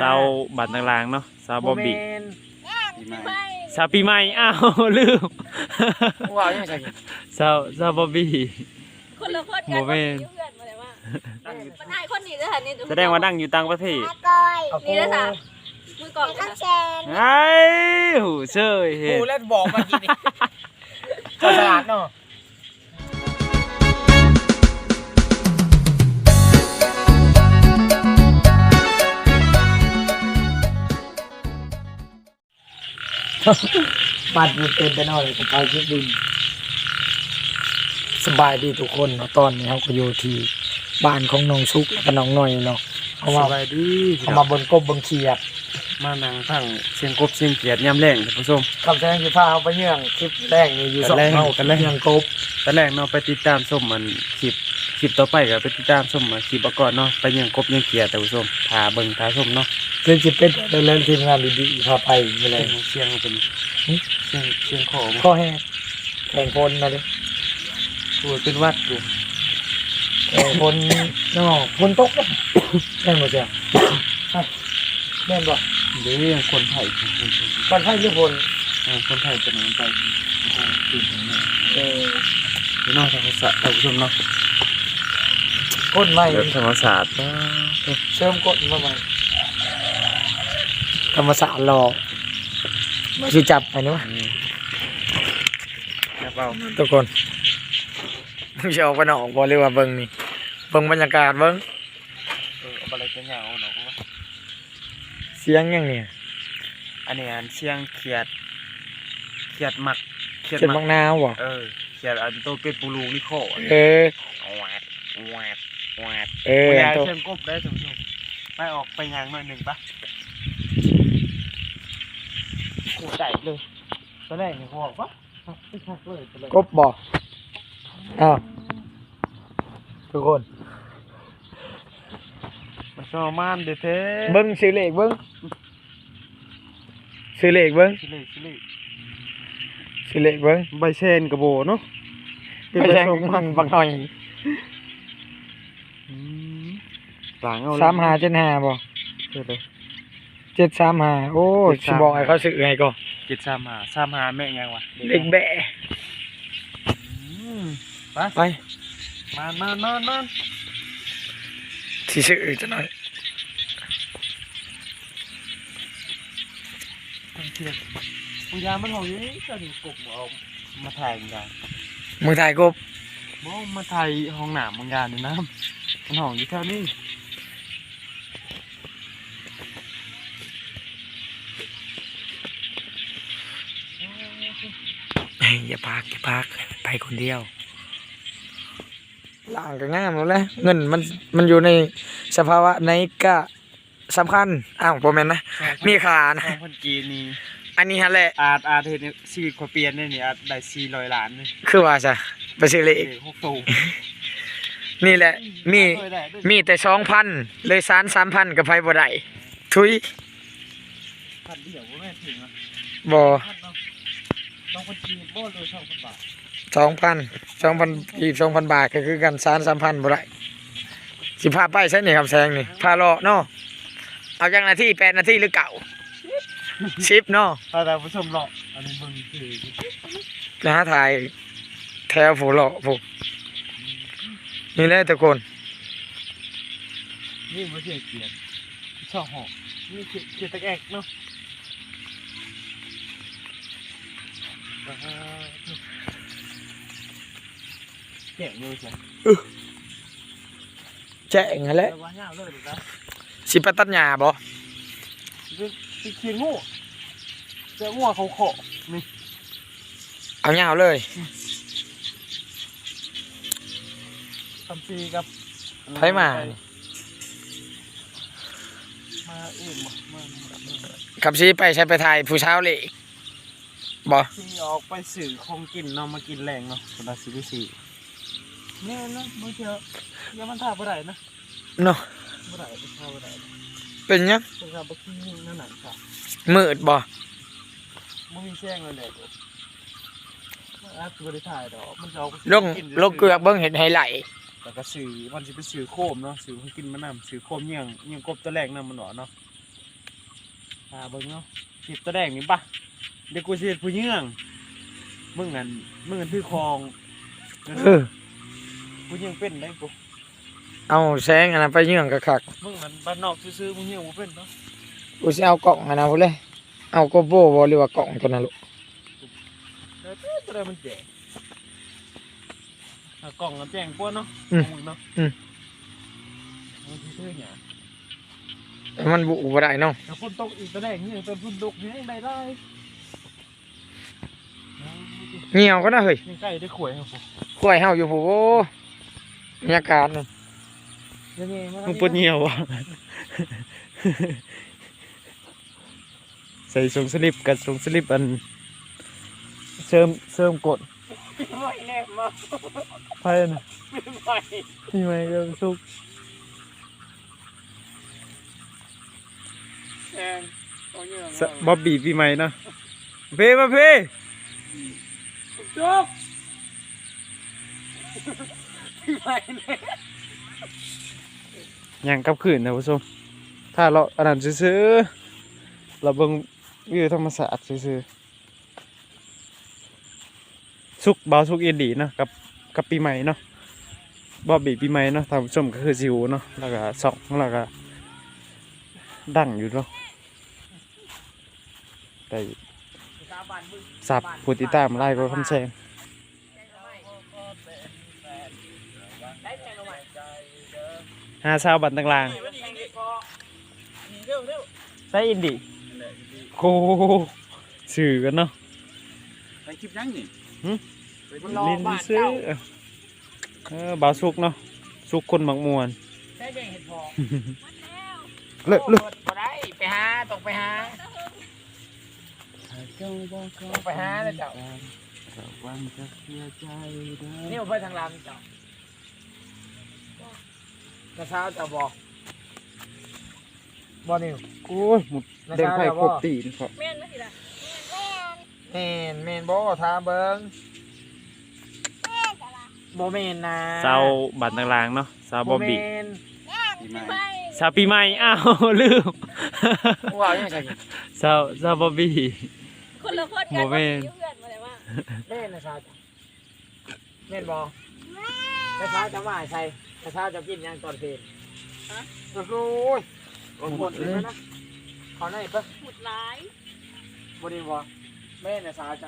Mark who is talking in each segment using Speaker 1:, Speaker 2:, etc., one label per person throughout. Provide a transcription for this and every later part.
Speaker 1: สาวบัตรต่างๆเนาะสาวบอบบี้
Speaker 2: ไป
Speaker 1: สาวปีใหม่อ้าวลืม
Speaker 3: ว้าวยังไง
Speaker 1: สาวบอบบี้
Speaker 2: คนละคนกันว่าอยู่เพื่อนมาเลยว่าปัญหาคนนี้เลยค่ะนี่
Speaker 1: แสดงว่าดังอยู่ต่างประเทศ
Speaker 2: นี่เลยค่ะมือกล่องค่ะ
Speaker 1: ไอ้หูเชยเห็
Speaker 3: กู
Speaker 1: น
Speaker 3: เล่นบอกมากินก็สลัดเนาะบัดอยู่เต็มไปหน่อยกับไปที่ดินสบายดีทุกคนเนาะตอนนี้เขาก็อยู่ที่บ้านของน้องชุกและน้องหน่อยเนาะเพราะว่า
Speaker 1: สบายดี
Speaker 3: เขามาบนกบบนเขียด
Speaker 1: มานั่งฟังเสียงกบเสียงเขียดยามแรงท่านผู้ชม
Speaker 3: คำแสดงคือพาเขาไปเยื่องคลิปแรกนี่อยู่สองเท่ากันเยื่องกบ
Speaker 1: ตอนแรกเนาะไปติดตามชมมันคลิปต่อไปก็ไปติดตามชมคลิปก่อนเนาะไปยังกบยังเขียดท่านผู้ชมพาเบิ่งพาชมเนาะ
Speaker 3: เรื่องจิตเป็นเรื่องทีมงานดีๆพาไปไปเลย
Speaker 1: เสียงเป็นเสียงขอ
Speaker 3: ข้อแห้งแข่งพลมาเลย
Speaker 1: ตัวเป็นวัดอยู่
Speaker 3: แข่งพลเนาะพลตกแข่งหมดเสียแม่นบ่
Speaker 1: เดี๋ยวคนไทย
Speaker 3: บ้านไทยหรือพล
Speaker 1: คนไทยจะนำไปตื่นเนาะ
Speaker 3: เออ
Speaker 1: พี่น้องธรรมศาสตร์ท่านผู้ชมเนาะ
Speaker 3: ก้นใหม่
Speaker 1: ธรรมศาสตร์
Speaker 3: เชื่อมก้นมาใหม่ธรรมศาสตร์รอมาสิจับไปนี่วะ
Speaker 1: ครับเอา
Speaker 3: ทุกคนมึงจะออกไปนอกบ่หรือว่าเบิ่งนี่เบิ่งบรรยากาศเบิ่ง
Speaker 1: เอาอะไรกันยาวเนาะ
Speaker 3: เสียงยังเนี่ย
Speaker 1: อันนี้เสียงเขียดหมัก
Speaker 3: เขียนบางนาวบ่
Speaker 1: เขียดอันโตเป็นปูรูนี่โค
Speaker 3: เออ
Speaker 1: แหวดแหวดแหวด
Speaker 3: เออ
Speaker 1: อยา
Speaker 3: ตัว
Speaker 1: เชิงกบได้ท่านผู้ชมไปออกไปยางหน่อยหนึ่งปะโอ้ใจเลยตอนแรกนี่เขาบอกว่าไม่ชักเลยตอนแรก
Speaker 3: กบบ่อ้าวทุกคน
Speaker 1: มันชอบมานเด้อเท่
Speaker 3: เบิ้งซื้อเลขเบิ้งซื้อเลขเบิ้ง
Speaker 1: ชิเล่
Speaker 3: ซื้อเลขเบิ้ง
Speaker 1: ใบเชนกระโบเนาะ
Speaker 3: ไปแทงมันบักหน่อย
Speaker 1: หลังเอา
Speaker 3: 3575บ่
Speaker 1: เท่เลย
Speaker 3: 735โอ้สิบอกให้เขาซื้อให้ก่อน
Speaker 1: 73535แม่งยังวะ
Speaker 3: เลขแบะ
Speaker 1: ไป
Speaker 3: ไป
Speaker 1: มา
Speaker 3: สิซื้อจังหน่อย
Speaker 1: เทียบมึงยามันหองอยู่นี่ก็ถึงกบเอามาถ่ายมึงยา
Speaker 3: มือถ่ายกบ
Speaker 1: บ่มาถ่ายห้องหนามมึงยานี่นะมันหองอยู่แถวนี้
Speaker 3: อย่าพักไปคนเดียวล่างก็งามแล้วแหละเงินมันอยู่ในสภาวะไหนก็สำคัญอ้าวบ่แม่นนะมีค่านะ
Speaker 1: คนจีนนี่
Speaker 3: อันนี้ฮะแหละ
Speaker 1: อาจเห็นชีวิตคนเปลี่ยนได้นี่อาจได้400 ล้านนี่
Speaker 3: คือว่าจ้ะไปซื้อเลข
Speaker 1: 6ตู้
Speaker 3: นี่แหละมีแต่2,000เลย3,000กับไผบ่ได้ทุย
Speaker 1: พันเดียวบ่แม่ถึงอ่ะ
Speaker 3: บ่
Speaker 1: ต้องคนจีนบ่เลย2,000 บาท
Speaker 3: 2,000 2,000 บาทก็คือกัน3,000บ่ได้สิพาไปใช่นี่ครับแซงนี่พาเลาะเนาะเอาจังนาที8นาทีหรือเก่า10เนาะ
Speaker 1: ถ้าท่านผู้ชมเนาะอันนี้เบิ่งคือ
Speaker 3: นะถ่ายแถวผู้เลาะผู้นี่แหละทุกคน
Speaker 1: นี่บ่ใช่เกียนชอบหอกนี่เกียนตะแอกเนาะแก่อยู่จ้ะ
Speaker 3: แจ้งนั่นแหละ
Speaker 1: แต่ว่ายาวเลยนะ
Speaker 3: สิไปตัดหญ้าบ่
Speaker 1: เป็นเขียนงูเจ้างูเขาขอนี่
Speaker 3: เอาหญ้าเลย
Speaker 1: ทำซีกับ
Speaker 3: ไผมา
Speaker 1: มาอื่นบ่มา
Speaker 3: ขับสิไปใช้ไปถ่ายผู้เช้าเลยบ่
Speaker 1: ที่ออกไปสื่อของกินเนาะมากินแรงเนาะสำหรับซื้อสี่แน่นะเมื่อเช้ายังมันท่าบ่ได้นะ
Speaker 3: เนาะ
Speaker 1: บ่ได้ท่าบ่ได้
Speaker 3: เป็นหยัง
Speaker 1: เป็นการบ่กินนั่นน่ะค่ะ
Speaker 3: มืดบ่
Speaker 1: บ่มีแซงเลยแหละมันอาจจะบ่ได้ถ่ายดอกมันจะเอาไป
Speaker 3: ลงเกลือกเบิ่งเห็นไฮไลท์
Speaker 1: แล้วก็สื่อมันสิไปสื่อโคมเนาะสื่อให้กินมานำสื่อโคมเงี้ยงกบตัวแรกนำมันหนอเนาะเบิ่งเนาะคลิปตะแดงนี่ปะเดี๋ยวกูสิเฮ็ดผู้เยื่องมึงอันถือคอง ผู้เยื่องเป็นได้กู
Speaker 3: เอาแสงอันนั้นไปเยื่องกะคัก
Speaker 1: มึงมันบ้านนอกซื่อๆผู้เยื่องบ่เป็นเนาะ
Speaker 3: กูสิเอากล่องอันนั้นพุ่นเลยเอาโกโบบ่หรือว่ากล่องตัวนั้นลูก
Speaker 1: แล้วตัวใดมันแจกกล่องมันแจ้งกว่าเนาะมึงเนาะมันซื่อๆหยัง
Speaker 3: แต่มันบุบ่ได้เนาะ
Speaker 1: แต่ฝนตกอีกตะแดงนี่เป็นฝนตกนี่ได้ได้
Speaker 3: เหี่ยวก็น่าเฮ้ย
Speaker 1: ยังใกล้ได้ข่วยครับผม
Speaker 3: กล้วยเฮาอยู่ผู้โอ้บรรยากาศนี่
Speaker 1: ยังไงมันปวดเหี่ยวอ่ะใส่ทรงสลิปกับทรงสลิปอันเสริมกด
Speaker 3: ไม่แน่มา
Speaker 1: ไพ่น่ะ
Speaker 3: ไม่
Speaker 1: มีไหมเริ่มสุก
Speaker 3: แซงเอาเยื่อง
Speaker 1: บ๊อบบี้ปีใหม่เนาะเพ่มาเพ่
Speaker 3: จุกไม่แน่
Speaker 1: ยังกลับคืนนะผู้ชมถ้าเราอันนั้นซื้อๆเราเบิ่งวิวธรรมศาสตร์ซื้อๆสุกเบาสุกเอ็นดีเนาะกับปีใหม่เนาะบ๊อบบี้ปีใหม่เนาะท่านผู้ชมก็คือซิวเนาะแล้วก็สองแล้วก็ดังอยู่เนาะแต่สับผู้ติดตามไล่ก็คำแซง50 บาทต่างๆใส่อินดีโอ้สื่อกันเนาะ
Speaker 4: ไปคลิปยังนี่
Speaker 1: ลินซื้อบาวสุกเนาะสุกคนบางมวน
Speaker 3: ใช่เห็ดพอ
Speaker 1: เลิก
Speaker 3: บ่ได้ไปหาต้องไปหาต้องไปหาเลยเจ้า
Speaker 1: วันจะเสียใจได้
Speaker 3: นี่ไปทางลำเจ้า กระเช้าจะบอกบ่นิว
Speaker 1: โอ้ยหมดเด้งไผ่ครบตีนครับ
Speaker 2: แม่นมาสิล่ะ
Speaker 3: เมนบ่ทาเบิงบ่เมนนะ
Speaker 1: เซาบัตรต่างๆเนาะเซาบอบบี้
Speaker 3: เมน
Speaker 4: ปีใหม่
Speaker 2: ไม่
Speaker 1: เซาปีใหม่อ้าวลืม
Speaker 3: ว้าวยังไง
Speaker 1: เซาบอบบี้
Speaker 2: คนละคนกัน
Speaker 1: บ่แม่น
Speaker 2: เพื่อนมาเลยว่า
Speaker 3: เมนนะชาจ้ะเมนบ่กระเช้าจะว่าใช่กระเช้าจะกินยังตอนเพลนโอ้โหหมดเลยนะขอหน่อยปะ
Speaker 2: หมุดร้าย
Speaker 3: บ่ดีบ่เมนนะชาจ้ะ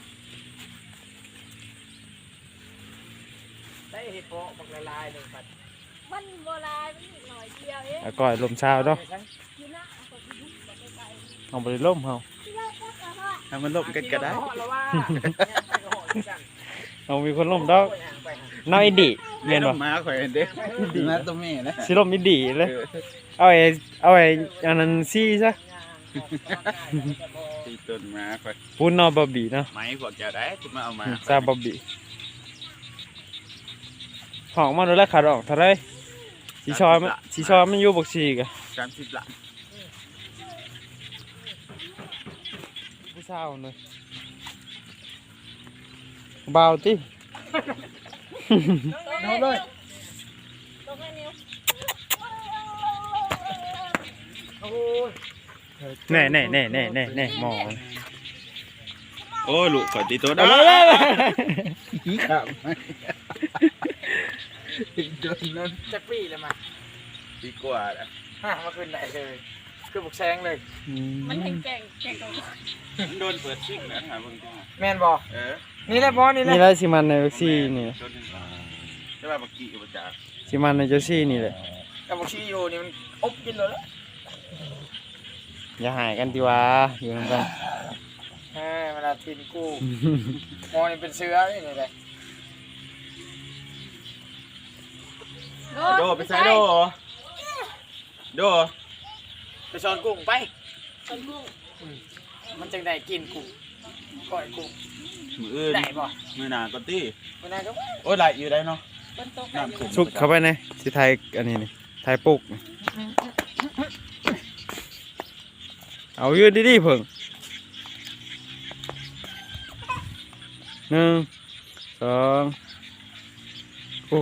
Speaker 3: ได้เห็ดเพาะบักละลายหนึ่งปัด
Speaker 2: มันโบราณมันอีกหน่อยเดียวเอง
Speaker 1: แล้วก็ลมเช้าเนาะ
Speaker 2: อยู่นะเอาไปยุบไปไกล
Speaker 1: เอาไปล่มเฮา
Speaker 2: ที่เราก็กระหอด
Speaker 4: ถ้ามันลบกันก็ได้
Speaker 1: เอามีคนล่มดอกน้อยอินดีเรียนบ่
Speaker 4: มาข่อยเด้อมาตัวแม่นะ
Speaker 1: สิล่มอินดีเลยเอาไอ้อันนั้นซี่ซะ
Speaker 4: ตีต้นมาข่อย
Speaker 1: พูนนอบอบบี้เนาะ
Speaker 4: ไม้พวกเจ้าได้จะมาเอามา
Speaker 1: ซาบอบบี้ห้องมาดูแลขาดออกเท่าไรสีชอยมันอยู่บกสีกะ
Speaker 4: 30 ล้าน
Speaker 1: ผู้สาวเลยเบาติ
Speaker 2: เอาเลยตรงให้นิ้ว
Speaker 1: แน่หมอ
Speaker 4: โอ้ลูกข่อยตีตัวได้อีครับโดนนั่น
Speaker 3: จะปีเลยมา
Speaker 4: ดีกว่านะ
Speaker 3: มาขึ้นได้เลยคือบุกแซงเลย
Speaker 2: มันแก่งตรงนี้
Speaker 4: โดนเปิดซิ่งนะหาเบิ่งจัง
Speaker 3: แมนบอ
Speaker 4: เออ
Speaker 3: นี่แหละบอนี่แหละ
Speaker 1: นี่แหละสิมันในซี่นี่
Speaker 4: โดนใช่ป่ะบักกี้กับบ่จ้า
Speaker 1: สิมันในเจ้าซี่นี่แหละ
Speaker 3: กับบุกชีอยู่นี่มันอบกินเลยละ
Speaker 1: อย่าหายกันดีวะอยู่นำกัน
Speaker 3: เวลาทินกู้มอนี่เป็นเชื้อนี่เลย
Speaker 4: โดไปใส่โดโด
Speaker 3: ไปช้อนกุ้งไป
Speaker 2: ต้นกุ้ง
Speaker 3: มันจังได้กินกุ้งก้อยกุ้ง
Speaker 4: มืออื่น
Speaker 3: ได้บ่
Speaker 4: มือหนาก็ตี
Speaker 3: มันได้ก็
Speaker 4: โอ้ยไหลอยู่ได้เนาะ
Speaker 2: ต้นโตกั
Speaker 4: น้ำขึ้น
Speaker 1: ชุกเข้าไปในสิไทยอันนี้นี่ไทยปุกนี่เอายืดดีๆเพิ่ง1 2โอ้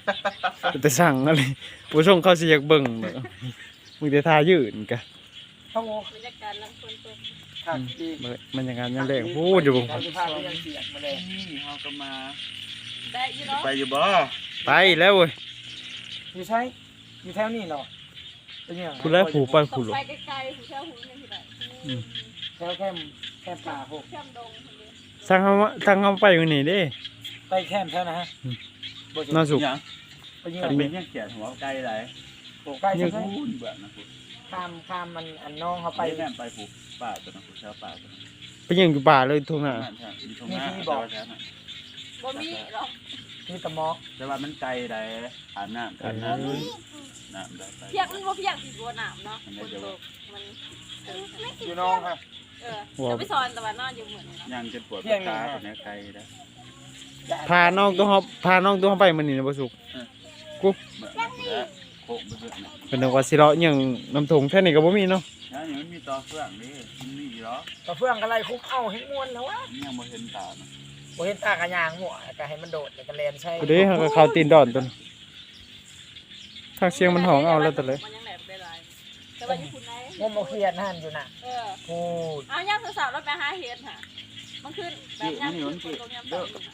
Speaker 1: แต่สั่งอะไรผู้ชมเขาสิอยากเบิ่งเด้อมึงจะทายืนกะ
Speaker 3: เขาโง่
Speaker 2: บรรยากาศลำคนตก
Speaker 3: ครับดี
Speaker 1: มันอย่างนั้นยังแรงพูดอยู่บ่
Speaker 3: เราจะพาไปยังเสียงมาเลย
Speaker 4: นี่เฮาก็มา
Speaker 2: ได้อยี่เนาะ
Speaker 4: ไปอยู่บ่
Speaker 1: ไปแล้วเว้ย
Speaker 3: อยู่ใช่อยู่แถวนี้เนาะเป็นยัง
Speaker 1: คุณแล้วผูไป
Speaker 2: ต
Speaker 1: ผู
Speaker 2: ก
Speaker 1: หรอ
Speaker 2: ไปไกลๆหูเช่าหูยังที่ไหน
Speaker 3: แถวแคมป่าพวก
Speaker 2: แคมดงคนเดียว
Speaker 1: ทางเขาไปอยู่นี่เด้
Speaker 3: ไปแคมป์แถวนะฮะ
Speaker 1: น่าสุก
Speaker 4: หยัง
Speaker 3: ไปยิง
Speaker 4: อันเป็นยังเขียนหัวไกลหลาย
Speaker 3: โอ้ใกล้ใช่ไหม
Speaker 4: พูดเบื่อนะพูด
Speaker 3: ข้ามมันอันน้องเขา
Speaker 4: ไป
Speaker 3: ไป
Speaker 4: แม่นไปผูกป่าตัวนั้นผูกชาวป่าตัวนั้น
Speaker 1: ไปยิงอยู่ป่าเลยทุ่งนา
Speaker 4: นั่นใช่มีตรงหน้าแต่ว่าแท้น่ะ
Speaker 2: บ่มีหรอก
Speaker 3: ที่ตะมอก
Speaker 4: แต่ว่ามันไกลหลายผ่านน้ำผ่านน้ำน้ำได้ไป
Speaker 2: เพียงมันบ่เพียงสิบัวหนามเนาะคนตกมัน
Speaker 3: อยู่น้องครับ
Speaker 2: จะไปสอนแต่ว่านอนอยู่เหมือนเนาะ
Speaker 4: ยังจะปวดตาตัวนี้ไกลได้
Speaker 1: พาน้องตัวเขาไปมันนี่นะบ่สุก
Speaker 4: เบื่อแล้วโคกเบื่อเนี่ย
Speaker 1: เป็นนึกว่าสิเลาะหยังน้ำทงแค่นี้ก็บ่มีเนาะ
Speaker 4: แล้วนี่มันมีต่อเฟื่องนี่มันมีเหรอ
Speaker 3: ต่อเฟื่องกันไรคุกเอ้าให้ม้วนแล้ววะ
Speaker 4: ยังบ่เห็นตาเนาะ
Speaker 3: บ่เห็นตากระยางหัวก็ให้มันโดดแล้วก็แลนใช่
Speaker 1: กูเด้เขาก็เข้าตีนดอนตัวนั้นทางเสียงมันห้องเอาแล้วแต่เลย
Speaker 2: มันยังแหลมได้หลายแต่ว่าอยู่คุณไหน
Speaker 3: งมเอาเครียดนั่นอยู่น่ะ พูด
Speaker 2: เอาย่างสาวๆแล้วไปหาเห็ดค่ะมันขึ้นแบบย่างขึ้นคนตรงยามต่ำ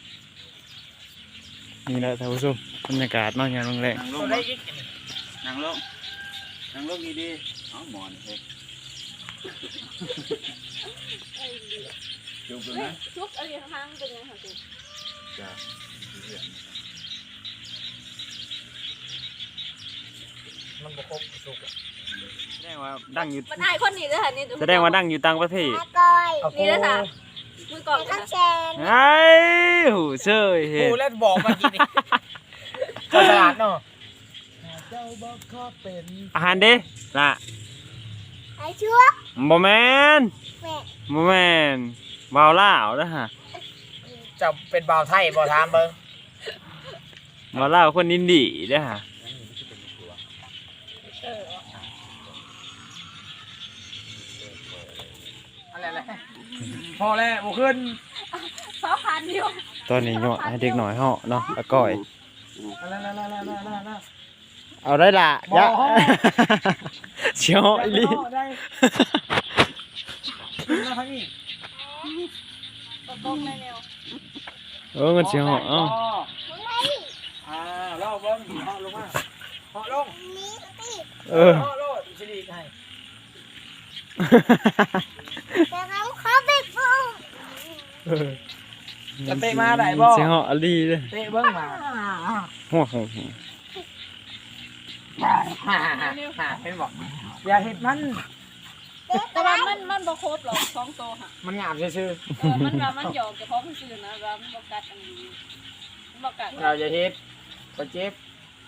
Speaker 1: นี่แหละท่านผู้ชมบรรยากาศนอกอย่างโรงแรม
Speaker 4: นั่งล
Speaker 3: ตัว
Speaker 4: ง
Speaker 3: ได้อีก
Speaker 4: นั่งลงนั่งลงดีๆเอาหมอนเฮ้ยจุกเลยนะ
Speaker 2: ทุกอะไรข้างๆเป็นยังไงคะ
Speaker 4: จ้า
Speaker 3: มันบ่ครบสุก
Speaker 1: แสดงว่าดังอยู่
Speaker 2: มันอายคนนี้ด้วยค่ะนี่
Speaker 1: แสดงว่าดังอยู่ต่างประเทศ
Speaker 3: เอา
Speaker 2: นี่นะจ๊ะมือกล่องนะ
Speaker 1: ไอ้หูเชยเห็
Speaker 3: พู
Speaker 1: น
Speaker 3: ดแล้วบอกมากินนี่เจ้าสลัดเนาะเจ้าบ่ขอเป็น
Speaker 1: อาหารเด้ล่ะ
Speaker 5: ไอ้ชั่ว
Speaker 1: บ่แม่น
Speaker 5: แม่
Speaker 1: บ่แม่นวาวล่าวเด้อฮะ
Speaker 3: เจ้าเป็นบ่าวไทยบ่ถามเบิ่ง
Speaker 1: วาวล่าวคนอินดีเด้อฮะ
Speaker 3: อะไรพอแล้วบ่ขึ้น
Speaker 2: 2,000อยู่
Speaker 1: ตอนนี้เหาะให้เด็กหน่อยเหาะเนาะแล้วก้อย
Speaker 3: นั่น
Speaker 1: เอาได้ล่ะ
Speaker 3: บ่
Speaker 1: ยะ
Speaker 3: เหาะ
Speaker 1: เชียวเหาะอีหลี
Speaker 3: ได้มาทางนี้
Speaker 2: ตรงในแนว
Speaker 1: มันเชียวเหาะเอ้า
Speaker 3: ลองเบิ่งเหาะลงมาเหาะลง
Speaker 5: นี่สิ
Speaker 1: เออ
Speaker 3: เหาะโลดสิดีให้
Speaker 5: แต่เขาไปปลูก
Speaker 1: เออ
Speaker 3: จะเตะมาได้บ่
Speaker 1: เชียวเหาะอีหลีเด้อ
Speaker 3: เตะเบิ่งมา
Speaker 1: หัวของ
Speaker 3: เห็นบ่อย่าเฮ็ดมัน
Speaker 2: แต่ว่ามันบ่ครบหรอก2ตัวค่ะ
Speaker 3: มันงามซื่อ
Speaker 2: มันว่ามันหยอกเฉพาะมันซื่อนะว่ามันบ่กัดอันนี้มันบ่กัด
Speaker 3: ๆเราจะเฮ็ดบ่เจ็บ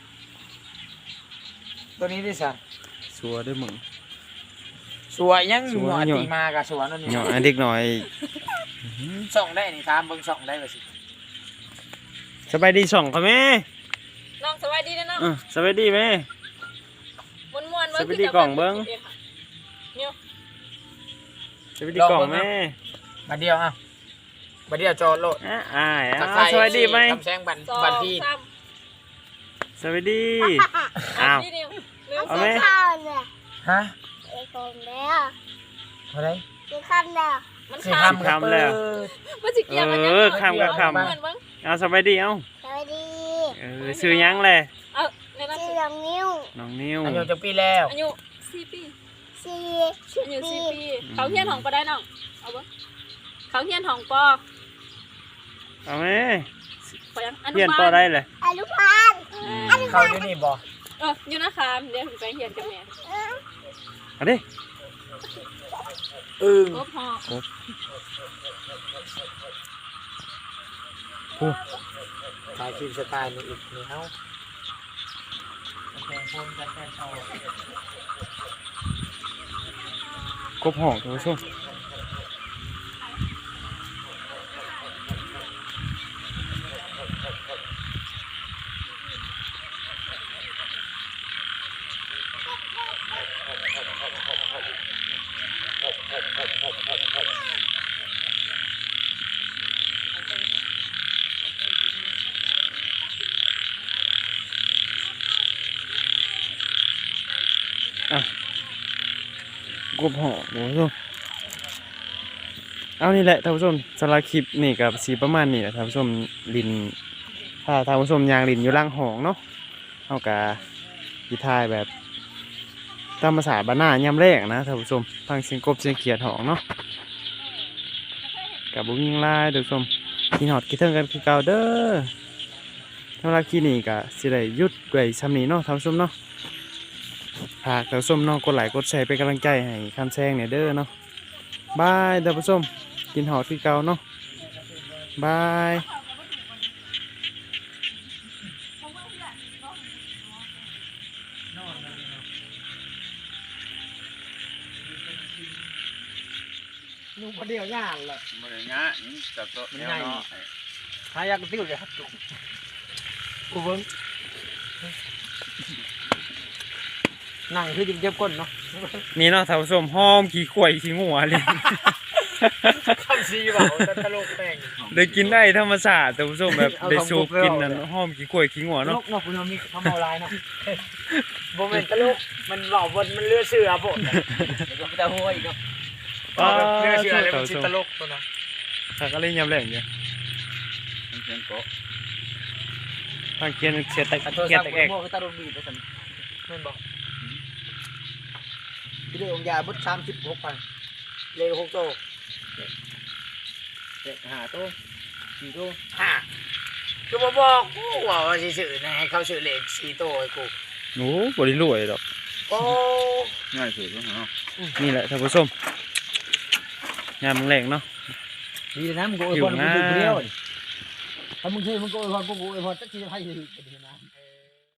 Speaker 3: ตัวนี้ดิสั่น
Speaker 1: สัวด้วยมึง
Speaker 3: สวยยัง
Speaker 1: สวย
Speaker 3: หัว
Speaker 1: อยู่
Speaker 3: ตีมากับสวนนั่นนี่
Speaker 1: เหาะให้เด็กหน่อย
Speaker 3: ส่องได้นี่ตามเบิ่งส่องได้บ่สิ
Speaker 1: สบายดีส่องเขาแม่
Speaker 2: น้องสวัสดีนะน้อง
Speaker 1: สบายดีแม่
Speaker 2: ม่วนๆ
Speaker 1: สวัสดีกล่องเบิ่ง
Speaker 2: เนี่ย
Speaker 1: สวัสดีกล่องแม่
Speaker 3: มาเดียวอ่ะมาเดียวจอดโลด
Speaker 1: อ้าย
Speaker 3: ทักทาย
Speaker 1: สวัสดีไหม
Speaker 3: คำแซงบัน
Speaker 2: 2
Speaker 3: บันพี่
Speaker 2: 3
Speaker 1: สวัสดี อ้าว
Speaker 2: นี่นิวเร็ว
Speaker 1: เอาไหม
Speaker 5: ข้าวเนี่ย
Speaker 3: ฮะ
Speaker 5: ไอ้คนแล้ว
Speaker 3: อะไร
Speaker 5: กินคำแล้ว
Speaker 2: มัน
Speaker 3: สิ
Speaker 2: ข้าม
Speaker 3: คำแล้ว
Speaker 2: มันสิเกี่ยวกันยัง
Speaker 1: ข้ามกับข้าม
Speaker 2: ม่วนเบิ่ง
Speaker 1: เอาสบายดีเอ้า
Speaker 5: สวัสดี
Speaker 1: ซื้อหยังเลย
Speaker 2: เอาในนั้น
Speaker 5: ชื่อน้องนิ้ว
Speaker 1: น้องนิ้ว
Speaker 3: อายุจักปีแล้ว
Speaker 2: อายุ4 ปี
Speaker 5: สี่
Speaker 2: อายุ4 ปีเขาเฮียนห้องก็ได้น้องเอาบ่เขาเฮียนห้องปอ
Speaker 1: เอาไหม
Speaker 2: ขอยังอนุ
Speaker 1: เพี้ยน
Speaker 2: บา
Speaker 1: ต่อ
Speaker 2: ล
Speaker 1: ได้เลย
Speaker 5: อนุบาล
Speaker 3: เข้าอยู่นี่บ่
Speaker 2: อยู่นะคะเดี๋ยวผมไปเฮียนกับแม่
Speaker 1: เอาดิ
Speaker 3: อึ้ง
Speaker 2: ครบห้อง
Speaker 3: ถ่ายคลิปสไตล์นี่อีกนี่เฮาแข่งพงกันแข่งเอา
Speaker 1: ครบห้องท่านผู้ชมกบหอท่านผู้ชมเอานี่แหละท่านผู้ชมสำหรับคลิปนี่กับสีประมาณนี้แหละท่านผู้ชมลินถ้าท่านผู้ชมยางลินอยู่ล่างหองเนาะเอากะพิทายแบบตามภาษาบ้านนายามแรกนะท่านผู้ชมฟังเสียงกบเสียงเขียดหองเนาะกับบุ้งยิงลายท่านผู้ชมกินหอดกินเทิงกันคือเก่าเด้อสำหรับคลิปนี้ก็สิได้หยุดไว้ซ้ำนี้เนาะท่านผู้ชมเนาะฝากท่านผู้ชมเนาะกดไลค์กดแชร์เป็นกำลังใจให้คำแซงเนี่ยเด้อเนาะบายท่านผู้ชมกินหอดคือเก่าเนาะบาย
Speaker 3: นุ่งคนเดียวย่างเลย
Speaker 4: บ่ได้งะนี่จับโต๊ะแนวเนาะ
Speaker 3: หายากติ้วเลยครับจุกกูเบิ้งนั่งคือจิ้มเจ็บก้นเนาะ
Speaker 1: นี่เนาะท่านผู้ชมหอมขี้ข่วยขี้งัวเลย
Speaker 3: คำซีบ่าวตลกแป้ง
Speaker 1: ได้กินได้ธรรมชาติท่านผู้ชมแบบได้สูบกินนั่นหอมขี้ข่วยขี้งัว
Speaker 3: ตล
Speaker 1: เนาะ
Speaker 3: กเนาะคุณมีคำเอาลายเนาะโมเมนต์ตลกมันเบาบนมันเลือเสือผมเดี๋ยวก็จะหัวอีกครับเลือเสือเลยมันชิตลกตัวนั้น
Speaker 1: ถ้าก็เล่นยำแรงอยู่
Speaker 4: มันเสียงโกะ
Speaker 1: ทางเกียนเสียแตก
Speaker 3: โทร
Speaker 1: เกีย
Speaker 3: ศั
Speaker 1: น
Speaker 3: พท์
Speaker 1: แตก
Speaker 3: โม่ก็ตลกดีไปสันแม่นบอกพี่เดือองยาบุตร36,000เลข6โตเด็ก5โต4โต5ก็บอกกูว่าสิซื้อนะให้เขาซื้อเลข4โตให้กู
Speaker 1: โอ้บริรวยดอก
Speaker 3: โอ้
Speaker 4: ง่ายสุดแล้วเนาะ
Speaker 1: นี่แหละท่านผู้ชมยำแรงเนาะ
Speaker 3: ดีนะมึงโกยพรมึงอยู่คนเดียวถ้ามึงซื้อมึงโกยพรกูโกยพรจักทีจะให้ดีนะ